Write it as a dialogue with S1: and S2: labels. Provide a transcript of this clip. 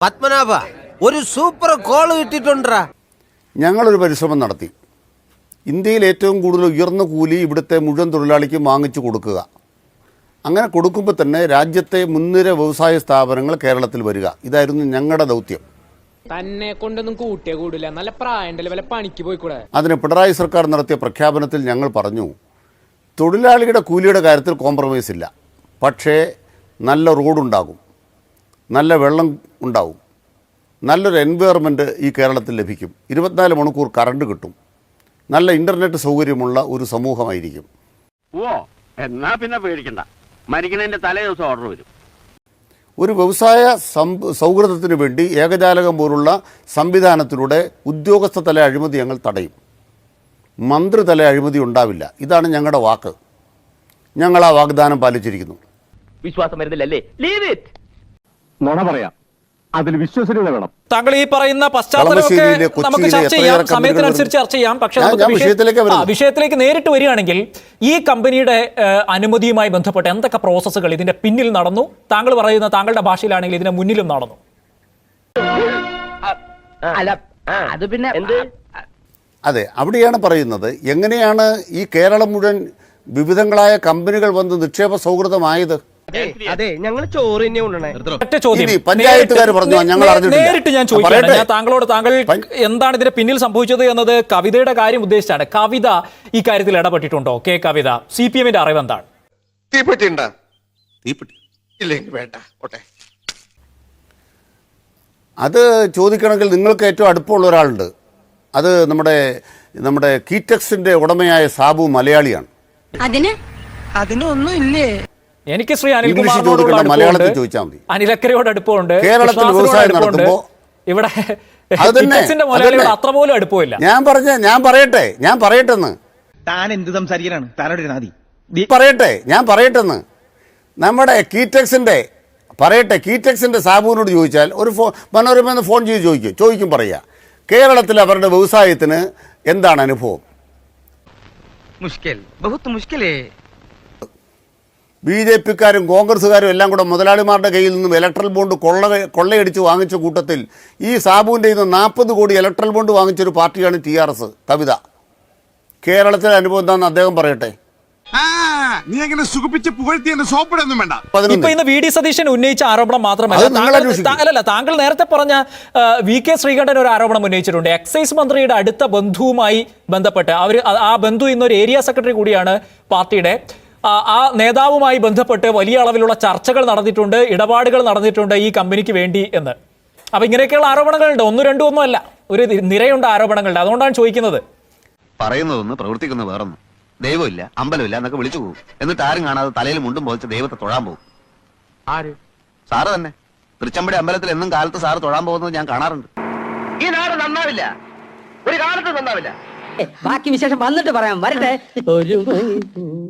S1: പത്മനാഭ ഒരു super call കിട്ടിട്ടുണ്ടാ.
S2: ഞങ്ങളൊരു പരിശ്രമം നടത്തി. ഇന്ത്യയിൽ ഏറ്റവും കൂടുതൽ ഉയർന്ന കൂലി ഇവിടുത്തെ മുഴുവൻ തൊഴിലാളിക്കും വാങ്ങിച്ചു കൊടുക്കുക. അങ്ങനെ കൊടുക്കുമ്പോൾ തന്നെ രാജ്യത്തെ മുൻനിര വ്യവസായ സ്ഥാപനങ്ങൾ കേരളത്തിൽ വരിക. ഇതായിരുന്നു ഞങ്ങളുടെ ദൗത്യം.
S3: തന്നെ കൊണ്ടൊന്നും കൂട്ടിയേ കൂടില്ല, നല്ല പ്രായണ്ടല്ലേ, വല്ല പണിക്ക് പോയിക്കൂടെ.
S2: അതിന് പിണറായി സർക്കാർ നടത്തിയ പ്രഖ്യാപനത്തിൽ ഞങ്ങൾ പറഞ്ഞു, തൊഴിലാളിയുടെ കൂലിയുടെ കാര്യത്തിൽ കോംപ്രമൈസ് ഇല്ല, പക്ഷേ നല്ല റോഡുണ്ടാകും, നല്ല വെള്ളം ഉണ്ടാവും, നല്ലൊരു എൻവയറമെൻറ്റ് ഈ കേരളത്തിൽ ലഭിക്കും, 24 മണിക്കൂർ കറണ്ട് കിട്ടും, നല്ല ഇൻ്റർനെറ്റ് സൗകര്യമുള്ള ഒരു സമൂഹമായിരിക്കും.
S4: ഓ എന്നാ പിന്നെ പേടിക്കണ്ട, മരിക്കണതിൻ്റെ തലേ ദിവസം ഓർഡർ വരും.
S2: ഒരു വ്യവസായ സൗഹൃദത്തിന് വേണ്ടി ഏകജാലകം പോലുള്ള സംവിധാനത്തിലൂടെ ഉദ്യോഗസ്ഥ തല അഴിമതി ഞങ്ങൾ തടയും. മന്ത്രിതല അഴിമതി ഉണ്ടാവില്ല. ഇതാണ് ഞങ്ങളുടെ വാക്ക്. ഞങ്ങൾ ആ വാഗ്ദാനം പാലിച്ചിരിക്കുന്നു.
S4: വിശ്വാസം വരുന്നില്ലല്ലേ? Leave it.
S5: നുണ പറയാം, അതിൽ വിശ്വസനീയത വേണം.
S6: താങ്കൾ ഈ പറയുന്ന പശ്ചാത്തലമൊക്കെ നമുക്ക് ചർച്ച ചെയ്യാം, സമയത്തിനനുസരിച്ച് ചർച്ച ചെയ്യാം. പക്ഷേ വിഷയത്തിലേക്ക് നേരിട്ട് വരികയാണെങ്കിൽ ഈ കമ്പനിയുടെ അനുമതിയുമായി ബന്ധപ്പെട്ട് എന്തൊക്കെ പ്രോസസ്സുകൾ ഇതിന്റെ പിന്നിൽ നടന്നു? താങ്കൾ പറയുന്ന താങ്കളുടെ ഭാഷയിലാണെങ്കിൽ ഇതിന്റെ മുന്നിലും നടന്നു.
S4: അത് പിന്നെ
S2: അതെ, അവിടെയാണ് പറയുന്നത്. എങ്ങനെയാണ് ഈ കേരളം മുഴുവൻ വിവിധങ്ങളായ കമ്പനികൾ വന്ന് നിക്ഷേപ സൗഹൃദമായത്?
S1: അതെ, ഞങ്ങൾ ചോറ് തന്നെ കൊണ്ടുവന്നേ.
S2: പഞ്ചായത്തുകാർ പറഞ്ഞു, ഞങ്ങൾ
S6: നേരിട്ട് ഞാൻ ചോദിക്കുകയാണ് താങ്കളോട്, താങ്കൾ എന്താണ് ഇതിന്റെ പിന്നിൽ സംഭവിച്ചത് എന്നത് കവിതയുടെ കാര്യം ഉദ്ദേശിച്ചാണ്. കവിത ഈ കാര്യത്തിൽ ഇടപെട്ടിട്ടുണ്ടോ? കെ കവിത, CPM-ന്റെ അറിവ് എന്താണ്?
S2: അത് ചോദിക്കണമെങ്കിൽ നിങ്ങൾക്ക് ഏറ്റവും അടുപ്പമുള്ള ഒരാളുണ്ട്. അത് നമ്മുടെ കീറ്റക്സിന്റെ ഉടമയായ സാബു മലയാളിയാണ്.
S1: അതിനൊന്നും ഇല്ലേ?
S6: എനിക്ക് ശ്രീ അനിൽകുമാറിനോടുള്ള
S2: മലയാളത്തിൽ ചോദിച്ചാൽ മതി.
S6: അനിലക്കരയോട് അടുപ്പമുണ്ട്,
S2: കേരളത്തിൽ വ്യവസായം നടത്തുമ്പോൾ
S6: ഇവിടെ അത്ര പോലും അടുപ്പമില്ല.
S2: ഞാൻ പറയട്ടെന്ന്
S7: താൻ എന്ത് സംസാരിക്കാനാണ്? താനോട്
S2: ഞാൻ പറയട്ടെന്ന് നമ്മുടെ കീറ്റക്സിന്റെ സാബുവിനോട് ചോദിച്ചാൽ, ഒരു മനോരമ ഫോൺ ചെയ്ത് ചോദിക്കും പറയുക, കേരളത്തിൽ അവരുടെ വ്യവസായത്തിന് എന്താണ് അനുഭവം? BJP-ക്കാരും കോൺഗ്രസ്സുകാരും എല്ലാം കൂടെ മുതലാളിമാരുടെ കയ്യിൽ നിന്നും ഇലക്ട്രൽ ബോണ്ട് കൊള്ളയടിച്ച് വാങ്ങിച്ച കൂട്ടത്തിൽ ഈ സാബുവിൻ്റെ നിന്ന് 40 കോടി ഇലക്ട്രൽ ബോണ്ട് വാങ്ങിച്ചൊരു പാർട്ടിയാണ് TRS. കവിത, കേരളത്തിലെ അനുഭവം എന്താണെന്ന് അദ്ദേഹം പറയട്ടെ.
S8: നീ അങ്ങനെ സുഖിപ്പിച്ച് പുകഴ്ത്തി സോപ്പിടൊന്നും വേണ്ട.
S6: ഇപ്പൊ ഇന്ന് VD സതീശൻ ഉന്നയിച്ച ആരോപണം മാത്രമല്ല, താങ്കൾ നേരത്തെ പറഞ്ഞ VK ശ്രീകണ്ഠൻ ഒരു ആരോപണം ഉന്നയിച്ചിട്ടുണ്ട്. എക്സൈസ് മന്ത്രിയുടെ അടുത്ത ബന്ധുവുമായി ബന്ധപ്പെട്ട് ആ ബന്ധു ഇന്നൊരു ഏരിയ സെക്രട്ടറി കൂടിയാണ് പാർട്ടിയുടെ. ആ നേതാവുമായി ബന്ധപ്പെട്ട് വലിയ അളവിലുള്ള ചർച്ചകൾ നടന്നിട്ടുണ്ട്, ഇടപാടുകൾ നടന്നിട്ടുണ്ട് ഈ കമ്പനിക്ക് വേണ്ടി എന്ന്. അപ്പൊ ഇങ്ങനെയൊക്കെയുള്ള ആരോപണങ്ങളുണ്ട്, 1, 2 ഒന്നും അല്ല, ഒരു നിരയുണ്ട് ആരോപണങ്ങളുണ്ട്. അതുകൊണ്ടാണ് ചോദിക്കുന്നത്.
S9: പറയുന്നതൊന്ന് പ്രവർത്തിക്കുന്ന വേറൊന്നും. ദൈവമില്ല, അമ്പലമില്ല എന്നൊക്കെ വിളിച്ചു പോകും. എന്നിട്ട് ആരും കാണാതെ തലയിൽ മുണ്ടും പോലിച്ച് ദൈവത്തെ തൊഴാൻ പോകും.
S4: ആര്?
S9: സാറ് തന്നെ. തൃച്ചമ്പടി അമ്പലത്തിൽ എന്നും കാലത്ത് സാറ് തൊഴാൻ പോകുന്നത് ഞാൻ കാണാറുണ്ട്.
S4: ഈ നാട് നന്നാവില്ല, ഒരു കാലത്ത് നന്നാവില്ല.
S10: ബാക്കി വിശേഷം വന്നിട്ട് പറയാം. വരട്ടെ.